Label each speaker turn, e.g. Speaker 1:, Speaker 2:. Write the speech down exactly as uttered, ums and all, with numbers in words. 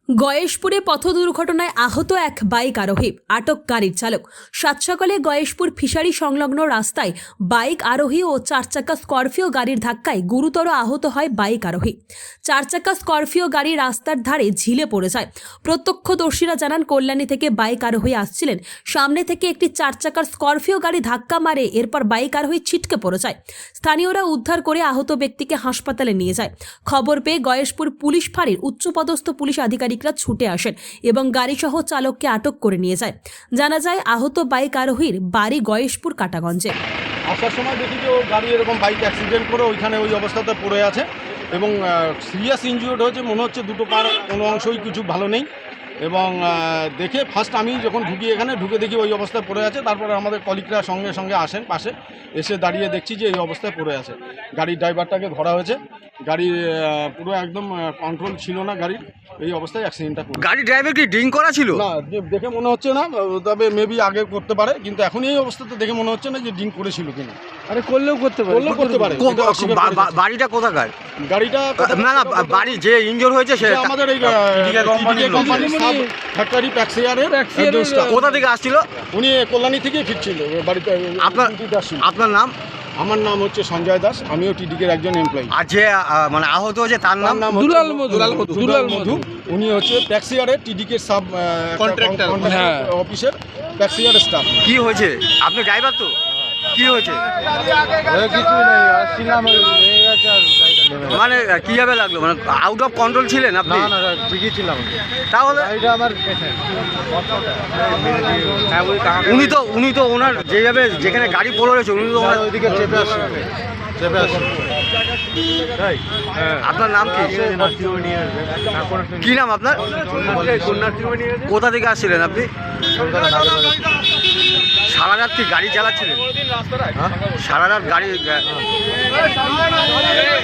Speaker 1: গয়েশপুরে পথ দুর্ঘটনায় আহত এক বাইক আরোহী, আটক গাড়ির চালক। সাত সকালে গয়েশপুর ফিশারি সংলগ্ন রাস্তায় বাইক আরোহী ও চার চাকা স্করপিও গাড়ির ধাক্কায় গুরুতর আহত হয় বাইক আরোহী। চার চাকা স্করপিও গাড়ি রাস্তার ধারে ঝিলে পড়ে যায়। প্রত্যক্ষদর্শীরা জানান, কল্যাণী থেকে বাইক আরোহী আসছিলেন। সামনে থেকে একটি চার চাকার স্করপিও গাড়ি ধাক্কা মারে, এরপর বাইক আরোহী ছিটকে পড়ে যায়। স্থানীয়রা উদ্ধার করে আহত ব্যক্তিকে হাসপাতালে নিয়ে যায়। খবর পেয়ে গয়েশপুর পুলিশ ফাঁড়ির উচ্চপদস্থ পুলিশ আধিকারিক ছুটে আসেন এবং গাড়িসহ চালককে আটক করে নিয়ে যায়। জানা যায়, আহত বাইক আরোহীর বাড়ি গয়েশপুর কাটাগঞ্জে।
Speaker 2: আসার সময় দেখি যে ও গাড়ি এরকম বাইক অ্যাক্সিডেন্ট করে ওইখানে ওই অবস্থাতে পড়ে আছে এবং সিরিয়াস ইনজিওর্ড হয়েছে মনে হচ্ছে। দুটো পার কোনো অংশই কিছু ভালো নেই এবং দেখে ফার্স্ট আমি যখন ঢুকি এখানে ঢুকে দেখি ওই অবস্থায় পড়ে আছে। তারপরে আমাদের কলিগরা সঙ্গে সঙ্গে আসেন পাশে, এসে দাঁড়িয়ে দেখছি যে এই অবস্থায় পড়ে আছে। গাড়ির ড্রাইভারটাকে ধরা হয়েছে। গাড়ি পুরো একদম কন্ট্রোল ছিল না গাড়ির, এই অবস্থায় অ্যাক্সিডেন্টটা করে।
Speaker 3: গাড়ি ড্রাইভার কি ড্রিঙ্ক করা ছিল?
Speaker 2: না, দেখে মনে হচ্ছে না, তবে মেবি আগে করতে পারে, কিন্তু এখন এই অবস্থাতে দেখে মনে হচ্ছে না যে ড্রিঙ্ক করেছিল কিনা।
Speaker 4: আরে করলেও করতে পারে,
Speaker 2: করলেও করতে পারে।
Speaker 3: বাড়িটা কোথাকার?
Speaker 2: গাড়িটা
Speaker 3: না না, বাড়ি যে ইনজোর হয়েছে সে
Speaker 2: আমাদের এই কোম্পানি সাব ফ্যাক্টরি প্যাক্সিয়ারের একজন staff।
Speaker 3: কোথা থেকে আসছিল?
Speaker 2: উনি কল্যাণী থেকে ফিরছিল বাড়িতে।
Speaker 3: আপনার আপনার নাম?
Speaker 2: আমার নাম হচ্ছে সঞ্জয় দাস, আমিও টিডিকের একজন এমপ্লয়ি।
Speaker 3: আর যে মানে আহত হয়েছে তার নাম?
Speaker 4: দুলাল মধু।
Speaker 2: দুলাল মধু। উনি হচ্ছে প্যাক্সিয়ারের টিডিকের সাব কন্ট্রাক্টর অফিসের প্যাক্সিয়ার স্টাফ।
Speaker 3: কি হয়েছে? আপনি ড্রাইভার তো? কি হয়েছে? মানে কিভাবে লাগলো? মানে আউট অফ কন্ট্রোল ছিলেন আপনি?
Speaker 4: না না, ঠিকই ছিলাম।
Speaker 3: তাহলে
Speaker 4: এটা আমার
Speaker 3: উনি তো উনি তো ওনার যেভাবে যেখানে গাড়ি পড়ে রয়েছে উনি তো ওনার
Speaker 4: ওইদিকে চেপে আসছে চেপে আসছে
Speaker 3: আপনার নাম কি? কি নাম আপনার? কোথা থেকে আসছিলেন আপনি? সারা রাত কি গাড়ি চালাচ্ছিলেন? সারা রাত গাড়ি